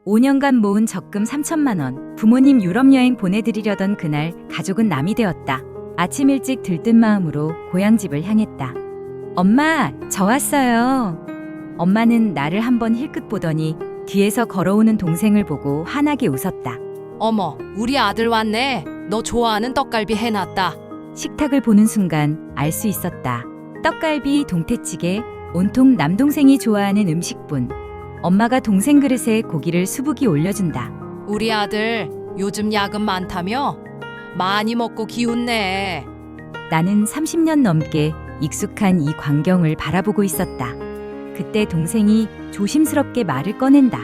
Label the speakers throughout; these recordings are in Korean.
Speaker 1: 5년간 모은 적금 3천만 원, 부모님 유럽 여행 보내드리려던 그날 가족은 남이 되었다. 아침 일찍 들뜬 마음으로 고향집을 향했다. 엄마, 저 왔어요. 엄마는 나를 한번 힐끗 보더니 뒤에서 걸어오는 동생을 보고 환하게 웃었다.
Speaker 2: 어머, 우리 아들 왔네. 너 좋아하는 떡갈비 해놨다.
Speaker 1: 식탁을 보는 순간 알 수 있었다. 떡갈비, 동태찌개, 온통 남동생이 좋아하는 음식뿐. 엄마가 동생 그릇에 고기를 수북이 올려준다.
Speaker 2: 우리 아들 요즘 야근 많다며? 많이 먹고 기운내.
Speaker 1: 나는 30년 넘게 익숙한 이 광경을 바라보고 있었다. 그때 동생이 조심스럽게 말을 꺼낸다.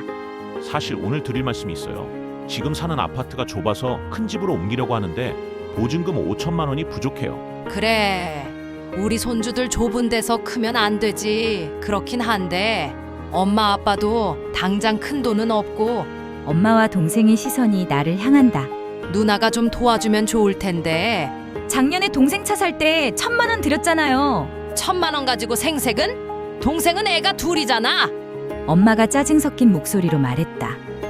Speaker 3: 사실 오늘 드릴 말씀이 있어요. 지금 사는 아파트가 좁아서 큰 집으로 옮기려고 하는데 보증금 5천만 원이 부족해요.
Speaker 2: 그래, 우리 손주들 좁은 데서 크면 안 되지. 그렇긴 한데 엄마 아빠도 당장 큰 돈은 없고
Speaker 1: 엄마와 동생의 시선이 나를 향한다.
Speaker 2: 누나가 좀 도와주면 좋을 텐데.
Speaker 1: 작년에 동생 차 살 때 1,000만 원 드렸잖아요.
Speaker 2: 1,000만 원 가지고 생색은? 동생은 애가 둘이잖아.
Speaker 1: 엄마가 짜증 섞인 목소리로 말했다.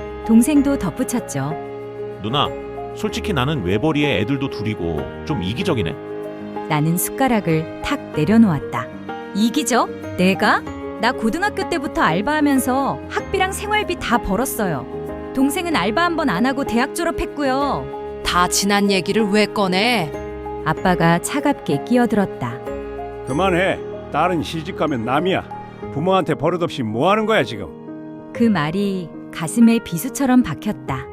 Speaker 1: 동생도 덧붙였죠.
Speaker 3: 누나, 솔직히 나는 외벌이에 애들도 둘이고 좀 이기적이네.
Speaker 1: 나는 숟가락을 탁 내려놓았다. 이기적? 내가? 나 고등학교 때부터 알바하면서 학비랑 생활비 다 벌었어요. 동생은 알바 한 번 안 하고 대학 졸업했고요.
Speaker 2: 다 지난 얘기를 왜 꺼내?
Speaker 1: 아빠가 차갑게 끼어들었다.
Speaker 4: 그만해. 딸은 시집가면 남이야. 부모한테 버릇없이 뭐 하는 거야 지금?
Speaker 1: 그 말이 가슴에 비수처럼 박혔다.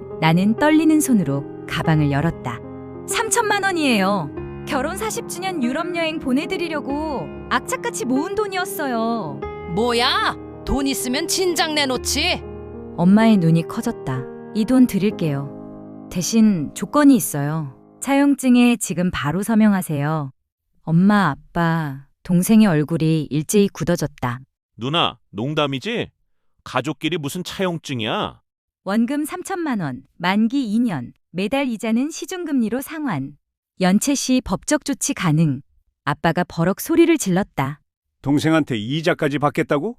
Speaker 1: 나는 떨리는 손으로 가방을 열었다. 3천만 원이에요. 결혼 40주년 유럽 여행 보내드리려고 악착같이 모은 돈이었어요.
Speaker 2: 뭐야? 돈 있으면 진작 내놓지.
Speaker 1: 엄마의 눈이 커졌다. 이 돈 드릴게요. 대신 조건이 있어요. 차용증에 지금 바로 서명하세요. 엄마, 아빠, 동생의 얼굴이 일제히 굳어졌다.
Speaker 3: 누나, 농담이지? 가족끼리 무슨 차용증이야?
Speaker 1: 원금 3천만 원, 만기 2년, 매달 이자는 시중금리로 상환. 연체 시 법적 조치 가능. 아빠가 버럭 소리를 질렀다.
Speaker 4: 동생한테 이자까지 받겠다고?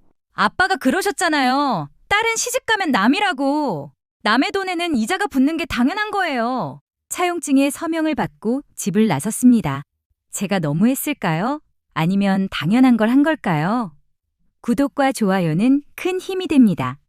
Speaker 1: 아빠가 그러셨잖아요. 딸은 시집가면 남이라고. 남의 돈에는 이자가 붙는 게 당연한 거예요. 차용증에 서명을 받고 집을 나섰습니다. 제가 너무했을까요? 아니면 당연한 걸 한 걸까요? 구독과 좋아요는 큰 힘이 됩니다.